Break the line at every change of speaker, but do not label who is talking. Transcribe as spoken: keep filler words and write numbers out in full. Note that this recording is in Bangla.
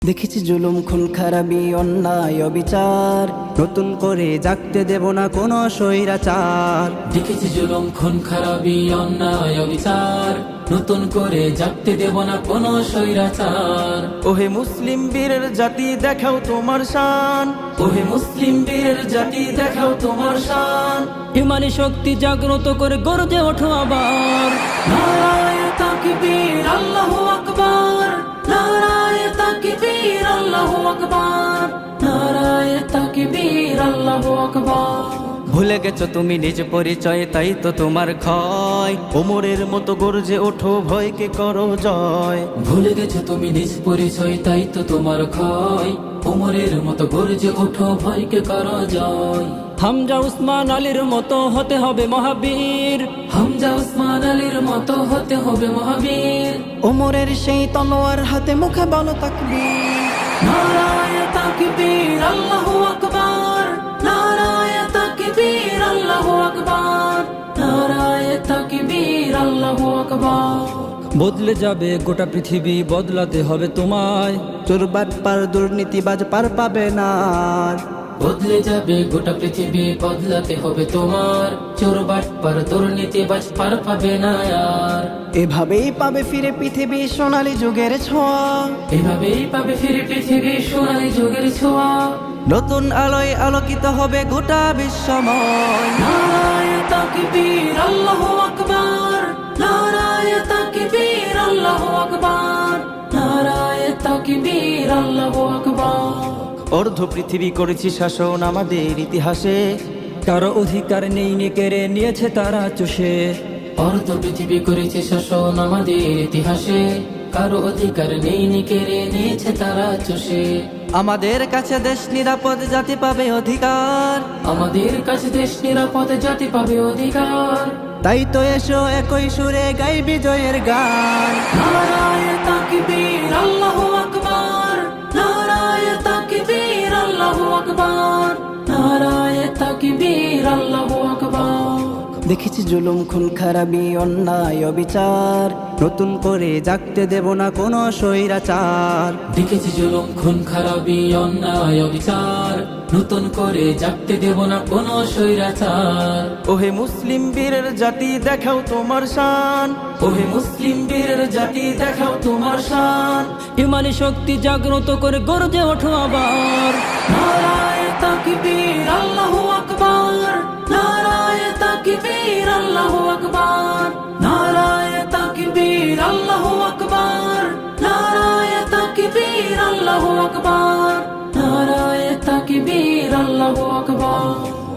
দেখেছি জুলুম খুন খারাপি অন্যায় অবিচার, নতুন করে জাগতে দেব না কোনো স্বৈরাচার।
দেখেছি জুলুম খুন খারাপি অন্যায় অবিচার, নতুন করে জাগতে দেব না কোনো স্বৈরাচার।
ওহে মুসলিম বীরের জাতি দেখাও তোমার শান,
ওহে মুসলিম বীরের জাতি দেখাও তোমার শান।
ইমানি শক্তি জাগ্রত করে গর্জে ওঠো আবার।
নারায়ে তাকবীর আল্লাহু আকবার, নারায়ে তাকবীর আল্লাহু আকবার, নারায়ে তাকবীর আল্লাহু আকবার।
ভুলে গেছো তুমি নিজ পরিচয়, তাই তো তোমার ক্ষয়। ওমরের মতো গর্জে ওঠো, ভয়কে করো জয়।
ভুলে গেছো তুমি নিজ পরিচয়, তাই তো তোমার ক্ষয়। ওমরের মতো গর্জে ওঠো, ভয়কে করো জয়।
হামজা উসমান আলীর মতো হতে হবে মহাবীর,
হামজা উসমান আলীর মতো হতে হবে মহাবীর।
ওমরের সেই তলোয়ার হাতে মুখে বলো তাকবীর।
নারায়ে তাকবীর আল্লাহু আকবার, নারায়ে তাকবীর আল্লাহু আকবার, নারায়ে তাকবীর আল্লাহু আকবার।
বদলে যাবে গোটা পৃথিবী, বদলাতে হবে তোমায়।
চোর বাটপার দুর্নীতিবাজ পার পাবে না আর।
বদলে যাবে গোটা পৃথিবী, বদলাতে হবে তোমার। চোর বাটপার দুর্নীতিবাজ পার পাবে না আর।
এভাবেই পাবে ফিরে পৃথিবী সোনালী যুগের ছোঁয়া।
এভাবেই পাবে ফিরে পৃথিবী সোনালী যুগের ছোঁয়া।
নতুন আলোয় আলোকিত হবে গোটা বিশ্বময়।
নারায়ে তাকবীর আল্লাহু আকবার, নারায়ে তাকবীর আল্লাহু আকবার, নারায়ে তাকবীর আল্লাহু আকবার।
অর্ধ পৃথিবী করেছি শাসন আমাদের ইতিহাসে,
কারো অধিকার নেই নে কেড়ে নিয়েছে তারা চুষে।
অর্ধ পৃথিবী করেছে শাসন আমাদের ইতিহাসে, কারো অধিকার নেই নি কেড়ে নিয়েছে তারা চষে।
আমাদের কাছে দেশ নিরাপদ, জাতি পাবে অধিকার।
আমাদের কাছে দেশ নিরাপদ, জাতি পাবে অধিকার।
তাই তো এসো একই সুরে গাই বিজয়ের গান।
নারায়ে তাকবীর আল্লাহু আকবার, নারায়ে তাকবীর আল্লাহু আকবার, নারায়ে তাকবীর আল্লাহু আকবার।
দেখেছি জুলুম খুন খারাপি অন্যায় অবিচার, নতুন করে জাগতে দেব না কোনো স্বৈরাচার।
দেখেছি জুলুম খুন খারাপি অন্যায় অবিচার, নতুন করে জাগতে দেব না কোনো স্বৈরাচার।
ওহে মুসলিম বীরের জাতি দেখাও তোমার শান,
ওহে মুসলিম বীরের জাতি দেখাও তোমার শান।
ইমানি শক্তি জাগ্রত করে গর্জে ওঠো আবার।
নারায়ে তাকবীর আল্লাহু আকবার, নারায়ে তাকবীর আল্লাহু আকবার, নারায়ে তাকবীর আল্লাহু আকবার, নারায়ে তাকবীর আল্লাহু আকবার, নারায়ে তাকবীর আল্লাহু আকবার।